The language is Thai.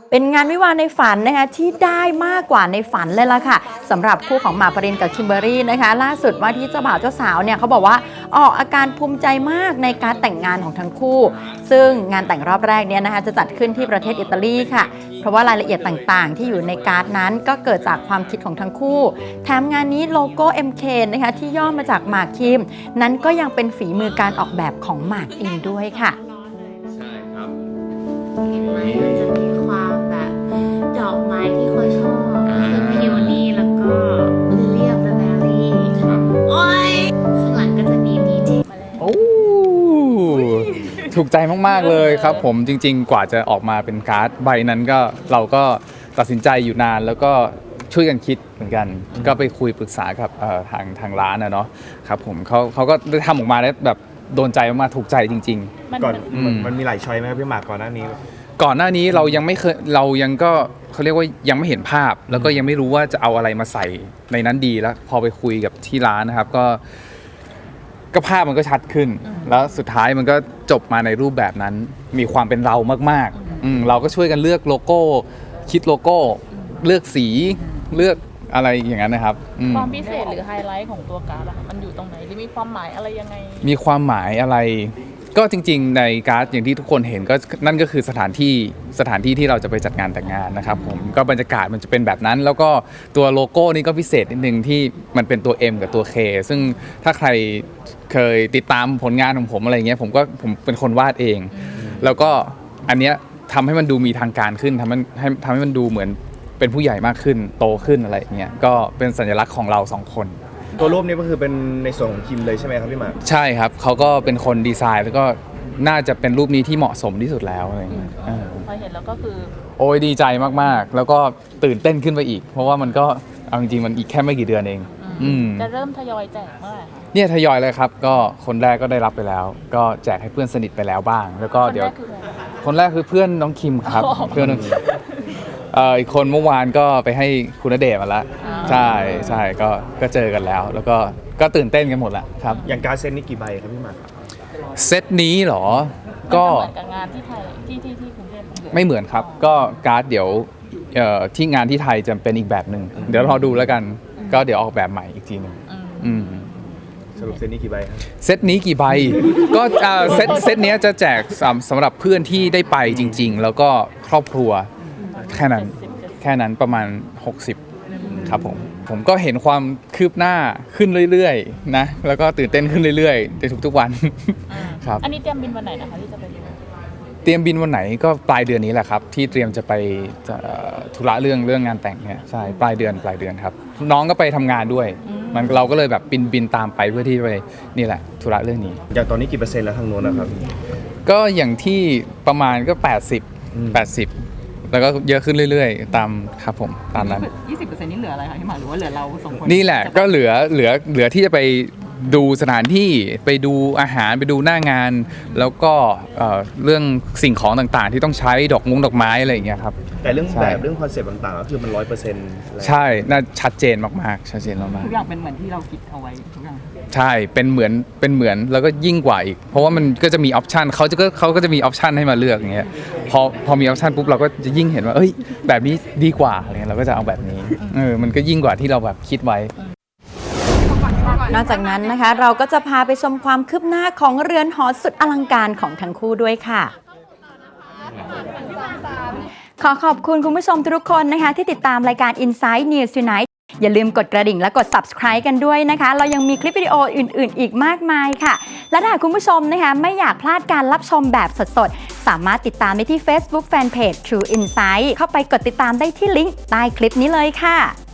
เป็นงานวิวาห์ในฝันนะคะที่ได้มากกว่าในฝันเลยล่ะค่ะสำหรับคู่ของหมากปรินกับคิมเบอรรี่นะคะล่าสุดว่าที่เจ้าบ่าวเจ้าสาวเนี่ยเขาบอกว่าออกอาการภูมิใจมากในการแต่งงานของทั้งคู่ซึ่งงานแต่งรอบแรกเนี่ยนะคะจะจัดขึ้นที่ประเทศอิตาลีค่ะเพราะว่ารายละเอียดต่างๆที่อยู่ในการ์ดนั้นก็เกิดจากความคิดของทั้งคู่แถมงานนี้โลโก้ MK นะคะที่ย่อมาจากหมากคิมนั้นก็ยังเป็นฝีมือการออกแบบของหมากเองด้วยค่ะใช่ครับมันจะมีความแบบดอกไม้ที่เขาชอบคือพิวนี่แล้วก็ลิเลียมแบร์รี่โอ้ยข้างหลังก็จะมีดีเทลมาแล้วโอ้ถูกใจมากๆเลยครับผมจริงๆกว่าจะออกมาเป็นการ์ดใบนั้นก็เราก็ตัดสินใจอยู่นานแล้วก็ช่วยกันคิดเหมือนกันก็ไปคุยปรึกษากับทางร้านนะเนาะครับผมเขาก็ได้ทำออกมาได้แบบโดนใจมากๆถูกใจจริงๆก่อนมันมีหลายช้อยไหมครับพี่หมากก่อนหน้านี้เรายังไม่เคยเรายังก็เขาเรียกว่ายังไม่เห็นภาพแล้วก็ยังไม่รู้ว่าจะเอาอะไรมาใส่ในนั้นดีแล้วพอไปคุยกับที่ร้านนะครับก็ภาพมันก็ชัดขึ้นแล้วสุดท้ายมันก็จบมาในรูปแบบนั้นมีความเป็นเรามากๆเราก็ช่วยกันเลือกโลโก้คิดโลโก้เลือกสีเลือกอะไรอย่างนั้นนะครับความพิเศษหรือไฮไลท์ของตัวการ์ดมันอยู่ตรงไหนหรือมีความหมายอะไรยังไงมีความหมายอะไรก็จริงๆในการ์ดอย่างที่ทุกคนเห็นก็นั่นก็คือสถานที่ที่เราจะไปจัดงานแต่งงานนะครับผมก็บรรยากาศมันจะเป็นแบบนั้นแล้วก็ตัวโลโก้นี่ก็พิเศษนิดนึงที่มันเป็นตัว M กับตัว K ซึ่งถ้าใครเคยติดตามผลงานของผมอะไรเงี้ยผมเป็นคนวาดเองแล้วก็อันเนี้ยทำให้มันดูมีทางการขึ้นทำให้มันดูเหมือนเป็นผู้ใหญ่มากขึ้นโตขึ้นอะไรเงี้ยก็เป็นสัญลักษณ์ของเรา2คนตัวรูปนี้ก็คือเป็นในส่วนของคิมเลยใช่ไหมครับพี่หมากใช่ครับเขาก็เป็นคนดีไซน์แล้วก็น่าจะเป็นรูปนี้ที่เหมาะสมที่สุดแล้วอะไรเงี้ยพอเห็นแล้วก็คือโอ้ยดีใจมากๆแล้วก็ตื่นเต้นขึ้นไปอีกเพราะว่ามันก็เอาจริงๆมันอีกแค่ไม่กี่เดือนเองจะเริ่มทยอยแจกเมื่อไหร่คะเนี่ยทยอยเลยครับก็คนแรกก็ได้รับไปแล้วก็แจกให้เพื่อนสนิทไปแล้วบ้างแล้วก็เดี๋ยวคนแรกคือเพื่อนน้องคิมครับเพื่อนน้องคิมอีกคนเมื่อวานก็ไปให้คุณณเดชน์มาแล้วใช่ก็เจอกันแล้วแล้วก็ตื่นเต้นกันหมดแล้วครับอย่างการเซตนี้กี่ใบครับพี่หมากเซตนี้เหรอก็เหมือนกับงานที่ไทยที่กรุงเทพไม่เหมือนครับก็การ์ดเดี๋ยวที่งานที่ไทยจะเป็นอีกแบบหนึ่งเดี๋ยวรอดูแล้วกันก็เดี๋ยวออกแบบใหม่อีกทีหนึ่งสรุปเซตนี้กี่ใบครับเซตนี้กี่ใบก็เซตนี้จะแจกสำหรับเพื่อนที่ได้ไปจริงๆแล้วก็ครอบครัวแค่นั้นประมาณ60ครับผมก็เห็นความคืบหน้าขึ้นเรื่อยๆนะแล้วก็ตื่นเต้นขึ้นเรื่อยๆในทุกๆวันครับอันนี้เตรียมบินวันไหนนะคะที่จะไปดูเตรียมบินวันไหนก็ปลายเดือนนี้แหละครับที่เตรียมจะไปธุระเรื่องงานแต่งเนี่ยใช่ปลายเดือนครับน้องก็ไปทำงานด้วยเราก็เลยแบบบินตามไปเพื่อที่ไปนี่แหละธุระเรื่องนี้อย่างตอนนี้กี่เปอร์เซ็นต์แล้วทางโน้นนะครับก็อย่างที่ประมาณก็80แล้วก็เยอะขึ้นเรื่อยๆตามครับผมตามนั้น 20%นี่เหลืออะไรคะพี่หมากหรือว่าเหลือเรา2คนนี่แหละก็เหลือที่จะไปดูสถานที่ไปดูอาหารไปดูหน้างานแล้วก็เรื่องสิ่งของต่างๆที่ต้องใช้ดอกไม้อะไรอย่างเงี้ยครับแต่เรื่องแบบเรื่องคอนเซ็ปต์ต่างๆก็คือมัน100% ใช่น่าชัดเจนมากๆชัดเจนมากๆทุกอย่างเป็นเหมือนที่เราคิดเอาไว้ทุกอย่างใช่เป็นเหมือนแล้วก็ยิ่งกว่าอีกเพราะว่ามันก็จะมีออปชันเขาก็จะมีออปชันให้มาเลือกอย่างเงี้ยพอมีออปชันปุ๊บเราก็จะยิ่งเห็นว่าเอ้ยแบบนี้ดีกว่าอะไรเงี้ยเราก็จะเอาแบบนี้มันก็ยิ่งกว่าที่เราแบบคิดไว้นอกจากนั้นนะคะเราก็จะพาไปชมความคืบหน้าของเรือนหอสุดอลังการของทั้งคู่ด้วยค่ะขอขอบคุณคุณผู้ชมทุกคนนะคะที่ติดตามรายการ Inside News Tonight อย่าลืมกดกระดิ่งและกด Subscribe กันด้วยนะคะเรายังมีคลิปวิดีโออื่นๆอีกมากมายค่ะและถ้าคุณผู้ชมนะคะไม่อยากพลาดการรับชมแบบสดๆสามารถติดตามได้ที่ Facebook Fanpage True Insight เข้าไปกดติดตามได้ที่ลิงก์ใต้คลิปนี้เลยค่ะ